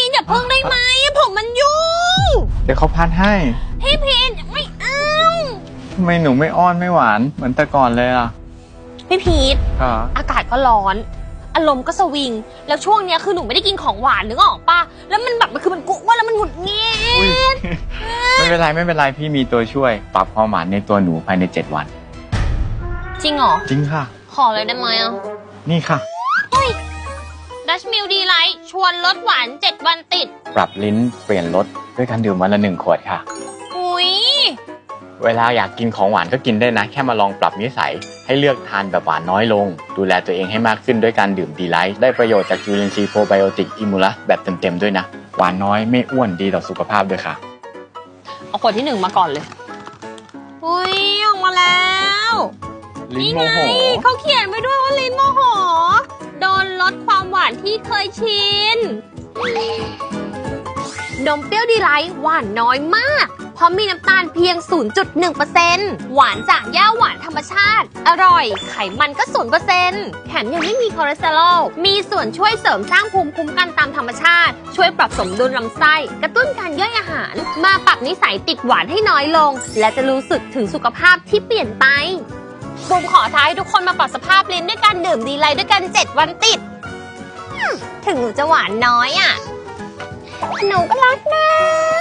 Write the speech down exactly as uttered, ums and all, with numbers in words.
นอย่าเพิ่งได้ไหมผมมันยุ่งเดี๋ยวเขาพัดให้พี่พีนไม่เอาทำไมหนูไม่อ้อนไม่หวานเหมือนแต่ก่อนเลยล่ะพี่พีทค่ะอากาศก็ร้อนอารมณ์ก็สวิงแล้วช่วงเนี้ยคือหนูไม่ได้กินของหวานนึกออกป่ะแล้วมันแบบมันคือมันกุว่าแล้วมันหงุดหงิดไม่เป็นไรไม่เป็นไรพี่มีตัวช่วยปรับความหวานในตัวหนูภายในเจ็ดวันจริงเหรอจริงค่ะขอเลยได้ไหมอ่ะนี่ค่ะเฮ้ยดัชมิลดีไลท์ชวนลดหวานเจ็ดวันติดปรับลิ้นเปลี่ยนรสด้วยการดื่มวันละหนึ่งขวดค่ะอุ้ยเวลาอยากกินของหวานก็กินได้นะแค่มาลองปรับนิสัยให้เลือกทานแบบหวานน้อยลงดูแลตัวเองให้มากขึ้นด้วยการดื่มดีไลท์ได้ประโยชน์จากจุลินทรีย์โปรไบโอติกอิมูลัสแบบเต็มๆด้วยนะหวานน้อยไม่อ้วนดีต่อสุขภาพด้วยค่ะเอาขวดที่หนึ่งมาก่อนเลยอุ้ยออกมาแล้วลิ้นโมโหเขาเขียนไว้ด้วยว่าลิ้นโมโหโดนลดความหวานที่เคยชินนมเปรี้ยวดีไลท์หวานน้อยมากเพราะมีน้ำตาลเพียง ศูนย์จุดหนึ่งเปอร์เซ็นต์ หวานจากหญ้าหวานธรรมชาติอร่อยไขมันก็ ศูนย์เปอร์เซ็นต์ แถมยังไม่มีคอเลสเตอรอลมีส่วนช่วยเสริมสร้างภูมิคุ้มกันตามธรรมชาติช่วยปรับสมดุลลำไส้กระตุ้นการย่อยอาหารมาปรับนิสัยติดหวานให้น้อยลงและจะรู้สึกถึงสุขภาพที่เปลี่ยนไปบุมขอท้าให้ทุกคนมาปรับสภาพลิ้นด้วยการดื่มดีไลท์ด้วยกันเจ็ดวันติดถึงหนูจะหวานน้อยอ่ะหนูก็รักนะ